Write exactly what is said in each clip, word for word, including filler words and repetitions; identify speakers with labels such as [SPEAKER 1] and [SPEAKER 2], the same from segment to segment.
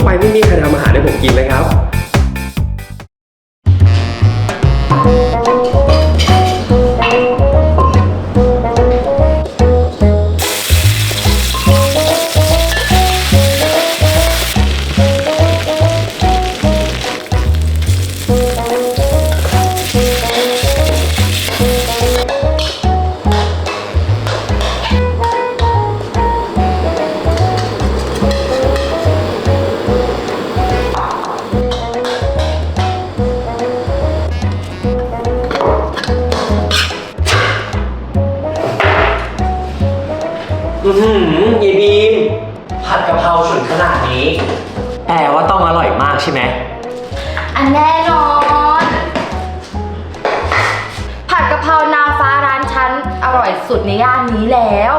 [SPEAKER 1] ไม่มีใครทำอาหารให้ผมกินเลยครับอือหือยายบีมผัดกะเพราฉุนขนาดนี้แปลว่าต้องอร่อยมากใช่ไหม
[SPEAKER 2] อันแน่นอนผัดกะเพรานางฟ้าร้านฉันอร่อยสุดในย่านนี้แล้ว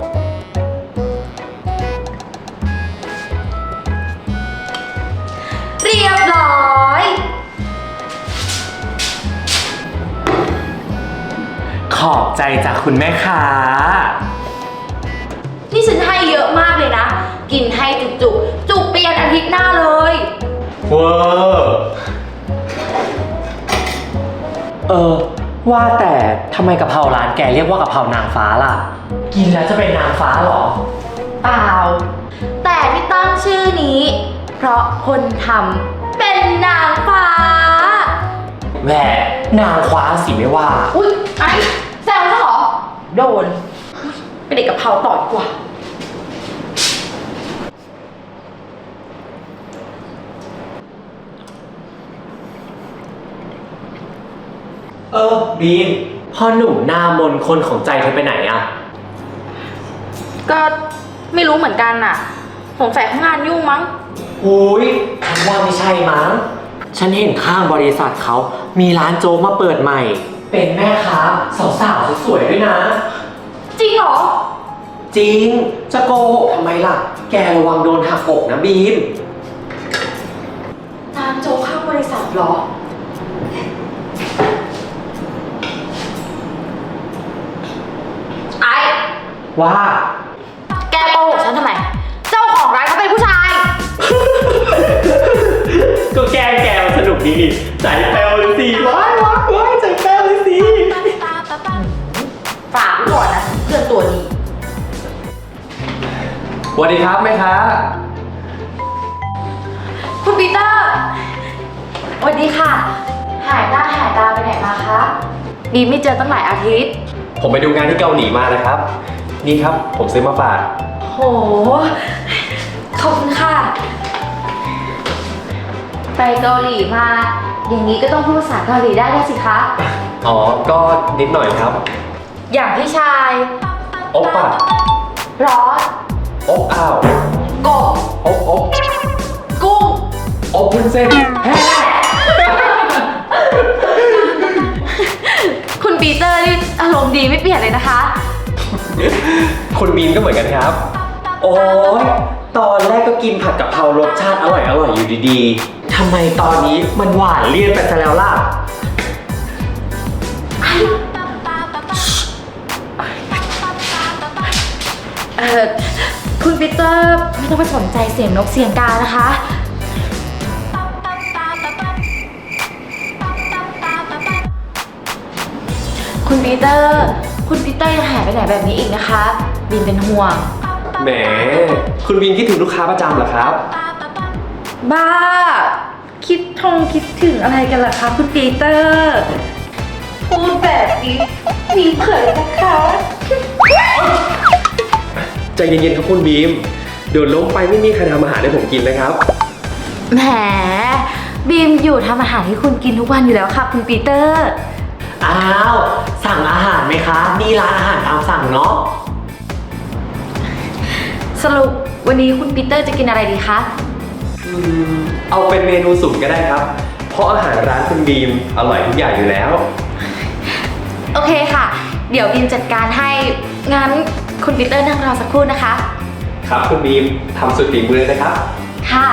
[SPEAKER 2] เรียบร้อย
[SPEAKER 1] ขอบใจจากคุณแม่ค้า
[SPEAKER 2] นี่ฉันให้เยอะมากเลยนะกินให้จุกจุกจุกเปลี่ยนอาทิตย์หน้าเลย
[SPEAKER 1] เวอร์เออว่าแต่ทำไมกะเพราร้านแกเรียกว่ากะเพรานางฟ้าล่ะกินแล้วจะเป็นนางฟ้าหรอ
[SPEAKER 2] เปล่าแต่ที่ตั้งชื่อนี้เพราะคนทำเป็นนางฟ้า
[SPEAKER 1] แหมนางฟ้าสิไม่ว่า
[SPEAKER 2] อุ๊ยไอ้แซวซะเหรอโดนเป็นเด็กกะเพราต่อดีกว่า
[SPEAKER 1] เออบีมพ่อหนุ่มหน้ามนคนของใจเธอไปไหนอะ
[SPEAKER 2] ก็ไม่รู้เหมือนกันน่ะสงสัยเขางานยุ่งมั้ง
[SPEAKER 1] โอ้ยฉันว่าไม่ใช่มั้งฉันเห็นข้างบริษัทเขามีร้านโจ๊กมาเปิดใหม่เป็นแม่ค้าสาวๆสวยๆด้วยนะ
[SPEAKER 2] จริงเหรอ
[SPEAKER 1] จริงจะโกหกทำไมล่ะแกระวังโดนหักอกนะบีม
[SPEAKER 2] ร้านโจ๊กข้างบริษัทเหรอไอ้
[SPEAKER 1] ว่า
[SPEAKER 2] แกโกหกฉันทำไมเจ้าของร้านเขาเป็นผู้ชาย
[SPEAKER 1] ก็แกแกสนุกดีนี่ใจแป้วเลยสิว้ายว้ายว้ายใจแป้วเลยสิ
[SPEAKER 2] ฝากก่อนนะเพื่อนตัวนี้
[SPEAKER 1] สวัสดีครับแม่ค้า
[SPEAKER 2] คุณปีเตอร์สวัสดีค่ะหายหน้าหายตาไปไหนมาคะบีไม่เจอตั้งหลายอาทิตย์
[SPEAKER 1] ผมไปดูงานที่เกาหลีมานะครับนี่ครับผมซื้อมาฝาก
[SPEAKER 2] โหขอบคุณค่ะไปเกาหลีมาอย่างนี้ก็ต้องพูดภาษาเกาหลีได้ด้วยสิคะ
[SPEAKER 1] อ๋อก็นิดหน่อยครับ
[SPEAKER 2] อย่างพี่ชาย
[SPEAKER 1] โอ๊ปป่ะ
[SPEAKER 2] ร้อน
[SPEAKER 1] โอ๊ปอ้าว
[SPEAKER 2] กบ
[SPEAKER 1] โอ๊ปโอ๊ป
[SPEAKER 2] กุ้ง
[SPEAKER 1] โอ๊ปวุ้นเส้น
[SPEAKER 2] คุณปีเตอร์นี่อารมณ์ดีไม่เปลี่ยนเลยนะคะ
[SPEAKER 1] คุณบีนก็เหมือนกันครับโอ้ยตอนแรกก็กินผัดกะเพรารสชาติอร่อยอร่อยอยู่ดีๆทำไมตอนนี้มันหวานเลี่ยนไปซะแล้วล่ะ
[SPEAKER 2] เออคุณปีเตอร์ไม่ต้องไปสนใจเสียงนกเสียงกานะคะคุณปีเตอร์คุณปีเตอร์ยังหายไปไหนแบบนี้อีกนะคะบินเป็นห่วง
[SPEAKER 1] แหมคุณบินคิดถึงลูกค้าประจำเหรอครับ
[SPEAKER 2] บ้าคิดทงคิดถึงอะไรกันล่ะคะคุณปีเตอร์พูดแบบนี้มีเผยนะคะ
[SPEAKER 1] ใจเย็นๆครับคุณบีมเดี๋ยวล้มไปไม่มีใครทำอาหารให้ผมกินนะครับ
[SPEAKER 2] แหมบีมอยู่ทำอาหารให้คุณกินทุกวันอยู่แล้วค่ะคุณปีเตอร์
[SPEAKER 1] อ้าวสั่งอาหารไหมคะนี่ร้านอาหารตามสั่งเนาะ
[SPEAKER 2] สรุปวันนี้คุณปีเตอร์จะกินอะไรดีคะ
[SPEAKER 1] อืมเอาเป็นเมนูสุกก็ได้ครับเพราะอาหารร้านคุณบีมอร่อยทุกอย่างอยู่แล้ว
[SPEAKER 2] โอเคค่ะเดี๋ยวบีมจัดการให้งั้นคุณปีเตอร์นั่งรอสักครู่นะคะ
[SPEAKER 1] ครับคุณบีมทำสุดฝีมือเลยนะครับ
[SPEAKER 2] ค่ะ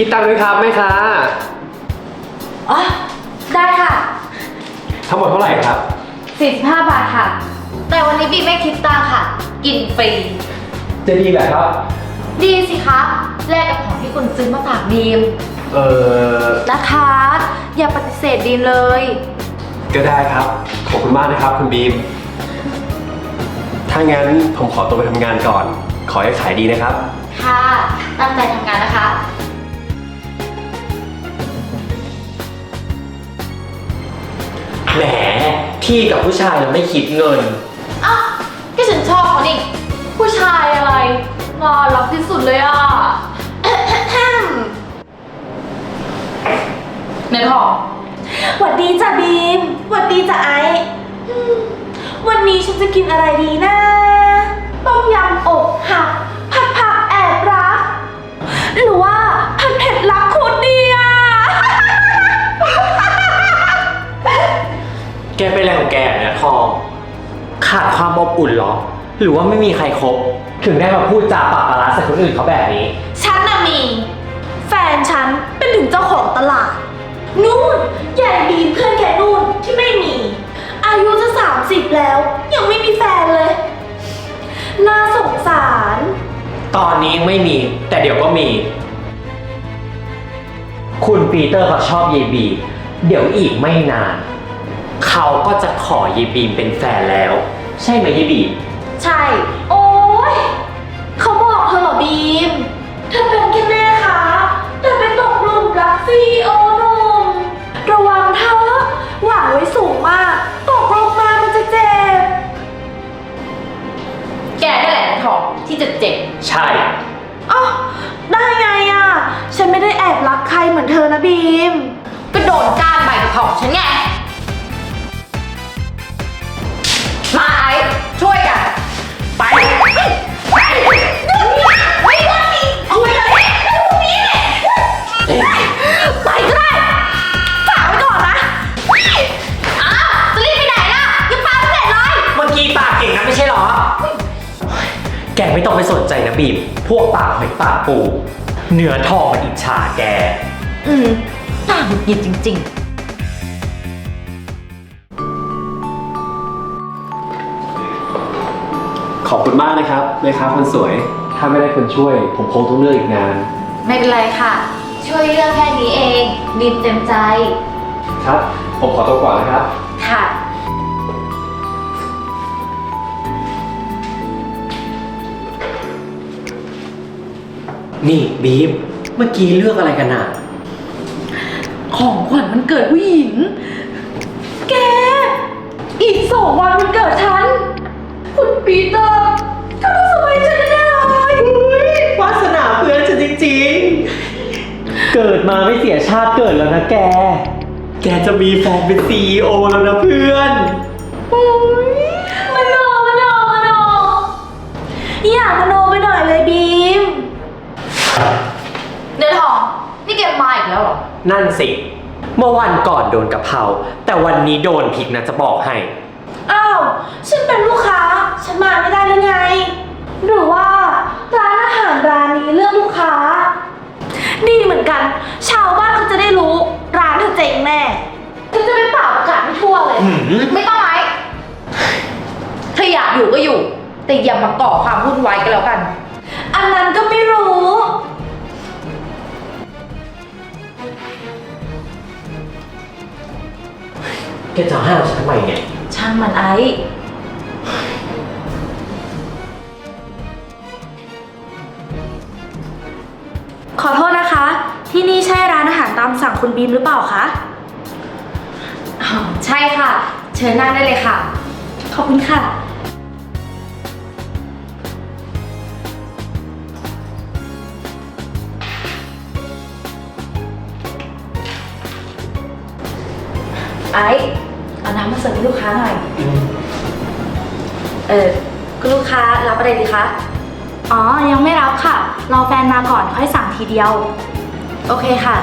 [SPEAKER 3] คิดตังค์ด้วยครับแม่ค้า
[SPEAKER 2] อ๋อ ได้ค่ะ
[SPEAKER 3] ทั้งหมดเท่าไหร่ครับ
[SPEAKER 2] สี่สิบห้าบาทค่ะ แต่วันนี้บีไม่คิดตังค่ะ กินฟรี
[SPEAKER 3] จะดีเหรอครับ
[SPEAKER 2] ดีสิคะ แลกกับของที่คุณซื้อมาฝากบีม
[SPEAKER 3] เออ
[SPEAKER 2] นะคะ อย่าปฏิเสธบีมเลย
[SPEAKER 3] ก็ได้ครับ ขอบคุณมากนะครับคุณบีม ถ้างั้นผมขอตัวไปทำงานก่อน ขอให้ขายดีนะครับ
[SPEAKER 2] ค่ะ ตั้งใจทำงานนะคะ
[SPEAKER 1] แหมที่กับผู้ชายเราไม่คิดเงิน
[SPEAKER 2] อ้าวก็ฉันชอบเขานี่ ผู้ชายอะไรน่ารักที่สุดเลยอ่ะ เนื้อทอง
[SPEAKER 4] หวัดดีจ้ะบีมหวัดดีจ้ะไอซ์อืมวันนี้ฉันจะกินอะไรดีนะ ต้มยำอกหัก ผัดผักแอบรัก หรือว่าผัดเผ็ดรักคุณดีอะ
[SPEAKER 1] แกเป็นอะไรของแกเนี่ยทอง ขาดความอบอุ่นเหรอ หรือว่าไม่มีใครคบ ถึงได้มาพูดจาปากปลาร้าใส่คนอื่นเขาแบบนี้
[SPEAKER 4] ฉันน่ะมี แฟนฉันเป็นถึงเจ้าของตลาด นู่นใหญ่บีมเพื่อนแกนู่นที่ไม่มี อายุจะสามสิบแล้ว ยังไม่มีแฟนเลย น่าสงสาร
[SPEAKER 1] ตอนนี้ยังไม่มี แต่เดี๋ยวก็มี คุณปีเตอร์เขาชอบเยบี เดี๋ยวอีกไม่นาน เขาก็จะขอเยบีมเป็นแฟนแล้ว ใช่ไหมเยบี
[SPEAKER 4] ใช่ โอ้ยเขาบอกเธอเหรอบีม เธอเป็นแค่แม่ค้าแต่ไปตกหลุมรักซีโอหนุ่มระวังเธอหวังไว้สูงมาก ตกลงมามันจะเจ็บ
[SPEAKER 2] แกนั่นแหละเนื้อทองที่จะเจ็บ
[SPEAKER 1] ใช่
[SPEAKER 4] อ้าวได้ไงอ่ะ ฉันไม่ได้แอบรักใครเหมือนเธอนะบีม
[SPEAKER 2] ก็โดนก้านใบกระเพราของฉันไง มาไอ้ช่วยกัน
[SPEAKER 1] ไป
[SPEAKER 2] ไปเดี๋ยวนี้ไม่ได้ดิเอาไปเลยเดี๋ยวนี้ไปก็ได้ฝากไว้ก่อนนะอ้าวจะรีบไปไหนล่ะยังปาไม่เสร็จเลย
[SPEAKER 1] เมื่อกี้ปากเก่งนะไม่ใช่เหรอ แกไม่ต้องไปสนใจนะบีม พวกปากหอยปากปู เนื้อทองมันอิจฉาแก
[SPEAKER 2] อืมน่าหงุดหงิดจริง
[SPEAKER 3] ขอบคุณมากนะครับแม่ค้าคนสวย ถ้าไม่ได้คนช่วย ผมคงต้องเลือกอีกนาน
[SPEAKER 2] ๆ ไม่เป็นไรค่ะ ช่วยเรื่องแค่นี้เองบีมเต็มใจ
[SPEAKER 3] ครับ ผมขอตัวก่อนนะครับ
[SPEAKER 2] ค่ะ
[SPEAKER 1] นี่บีม เมื่อกี้เลือกอะไรกันอ่ะ
[SPEAKER 2] ของขวัญมันเกิดผู้หญิง
[SPEAKER 4] แก อีกสองวันมันเกิดฉัน คุณปีเตอร์ก็ต้องสบายใจแน่เลยว
[SPEAKER 1] าสนาเพื่อนฉันจริงๆ เกิดมาไม่เสียชาติเกิดแล้วนะแก แกจะมีแฟนเป็นซีอีโอแล้วนะเพื่อน
[SPEAKER 4] โอ้ยมโนมโนมโนอย่ามโนไปหน่อยเลยบีม
[SPEAKER 2] เนื้อทอง นี่แกมาอีกแล้วเหรอ
[SPEAKER 1] นั่นสิ เมื่อวันก่อนโดนกะเพรา แต่วันนี้โดนพริกนะจะบอกให้
[SPEAKER 4] อ้าว ฉันเป็นลูกค้า ฉันมาไม่ได้หรือไง หรือว่าร้านอาหารร้านนี้เลือกลูกค้า ดีเหมือนกัน ชาวบ้านเขาจะได้รู้ ร้านเธอเจ๊งแน่ฉันจะไปเป่าประกาศให้ทั่วเลย
[SPEAKER 2] ไม่ต้องไหมเธออยากอยู่ก็อยู่ แต่อย่ามาก่อความวุ่นวายกันแล้วกัน
[SPEAKER 4] อันนั้นก็ไม่รู้
[SPEAKER 1] แกจะห้ามฉันทำไมเนี่ย
[SPEAKER 2] ช่างมันไอ้
[SPEAKER 4] ขอโทษนะคะ ที่นี่ใช่ร้านอาหารตามสั่งคุณบีมหรือเปล่าคะ
[SPEAKER 2] อ๋อใช่ค่ะ เชิญนั่งได้เลยค่ะ
[SPEAKER 4] ขอบคุณค่ะ
[SPEAKER 2] ไอ้เอาน้ำมาเสิร์ฟให้ลูกค้าหน่อย
[SPEAKER 4] เออคุณลูกค้ารับอะไรดีคะ อ๋อ ยังไม่รับค่ะ รอแฟนมาก่อนค่อยสั่งทีเดียว โอเคค่ะ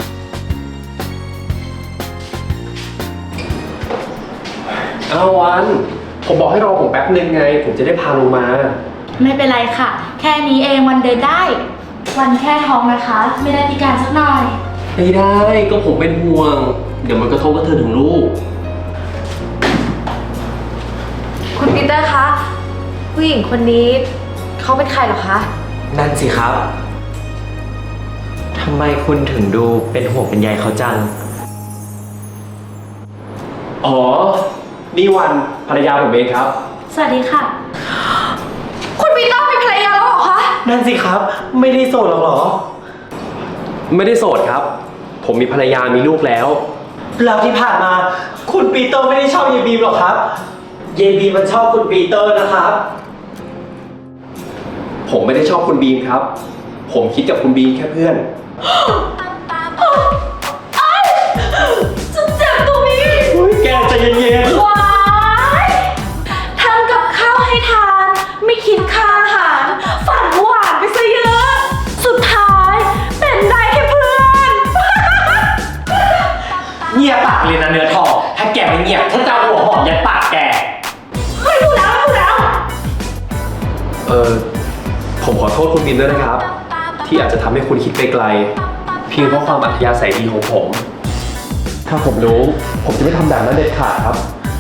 [SPEAKER 3] เอาวัน ผมบอกให้รอผมแป๊บนึงไง ผมจะได้พาลงมา
[SPEAKER 4] ไม่เป็นไรค่ะ แค่นี้เองวันเดินได้วันแค่ท้องนะคะ ไม่ได้พิการสักหน่อย
[SPEAKER 3] ไม่ได้ก็ผมเป็นห่วง เดี๋ยวมันกระทบกับเธอถึงลูก
[SPEAKER 2] คุณปีเตอร์คะ ผู้หญิงคนนี้เขาเป็นใครเหรอคะ
[SPEAKER 1] นั่นสิครับ ทำไมคุณถึงดูเป็นห่วงเป็นใยเขาจัง
[SPEAKER 3] อ๋อ นี่วันภรรยาผมเองครับ
[SPEAKER 4] สวัสดีค่ะ
[SPEAKER 2] คุณปีเตอร์เป็นภรรยาแล้วเหรอคะ
[SPEAKER 1] นั่นสิครับ ไม่ได้โสดหรอกเหรอ
[SPEAKER 3] ไม่ได้โสดครับ ผมมีภรรยามีลูกแล้ว
[SPEAKER 1] แล้วที่ผ่านมา คุณปีเตอร์ไม่ได้ชอบเยบีมหรอกครับ เยบีมมันชอบคุณปีเตอร์นะครับ
[SPEAKER 3] ผมไม่ได้ชอบคุณบีมครับ ผมคิดกับคุณบีมแค่เพื่อน
[SPEAKER 4] ฉันเจ็บตรงนี้
[SPEAKER 1] แกใจเย็น
[SPEAKER 4] ว้ายทำกับข้าวให้ทาน ไม่คิดค่าอาหาร ฝันหวานไปซะเยอะ สุดท้ายเป็นได้แค่เพื่อน
[SPEAKER 1] ๆเงียบปากเลยนะเนื้อทอง ถ้าแกไม่เงียบฉันจะเอาหัวหอมยัดปากแก
[SPEAKER 4] เฮ้ยพูดแล้วพูดแล้ว
[SPEAKER 3] เออผมขอโทษคุณบีมด้วยนะครับ ที่อาจจะทำให้คุณคิดไปไกล เพียงเพราะความอัธยาศัยดีของผม ถ้าผมรู้ ผมจะไม่ทำแบบนั้นเด็ดขาดครับ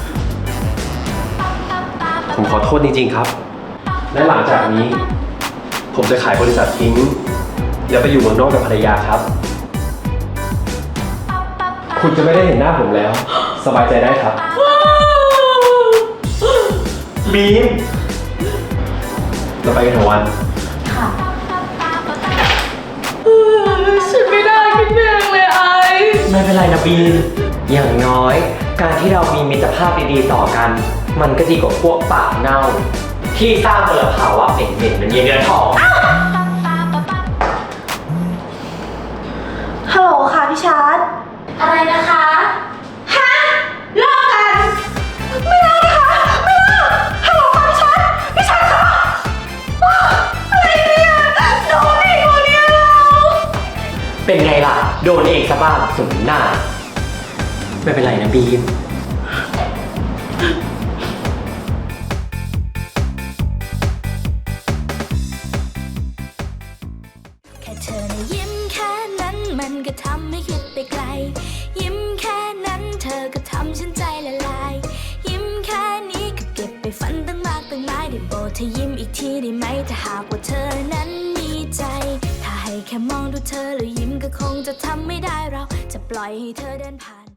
[SPEAKER 3] ผมขอโทษจริงๆครับ และหลังจากนี้ ผมจะขายบริษัททิ้ง แล้วไปอยู่เมืองนอกกับภรรยาครับ คุณจะไม่ได้เห็นหน้าผมแล้ว สบายใจได้ครับ
[SPEAKER 1] บีม
[SPEAKER 3] เราไปกันเถอะวัน
[SPEAKER 4] ค่ะ
[SPEAKER 2] ฉันไม่ได้คิดเองเลยไอ
[SPEAKER 1] ไม่เป็นไรนะบีม อย่างน้อย การที่เรามีมิตรภาพดีๆต่อกัน มันก็ดีกว่าพวกปากเน่า ที่สร้างมลภาวะเหม็นๆเหมือนเยเนื้อทอง
[SPEAKER 4] ฮัลโหลค่ะพี่ชาร์ตอะไรนะคะ ฮะเลิกกัน ไม่เลิกนะคะ ไม่เลิกฮัลโหลค่ะพี่ชาร์ตพี่ชาร์ตคะอ้าวอะไรเนี่ยโดนอีกแล้วเนี่ยเรา
[SPEAKER 1] เป็นไงล่ะ โดนเองซะบ้างสมหน้า ไม่เป็นไรนะบีม
[SPEAKER 5] แค่เธอนะยิ้มแค่นั้นมันก็ทำให้คิดไปไกล ยิ้มแค่นั้นเธอก็ทำฉันใจละลาย ยิ้มแค่นี้ก็เก็บไปฝันตั้งมากตั้งหลายได้โปรดเธอยิ้มอีกทีได้ไหมถ้าหากว่าเธอนั้นมีใจ ถ้าให้แค่มองดูเธอแล้วยิ้มก็คงจะทำไม่ได้เราจะปล่อยให้เธอเดินผ่าน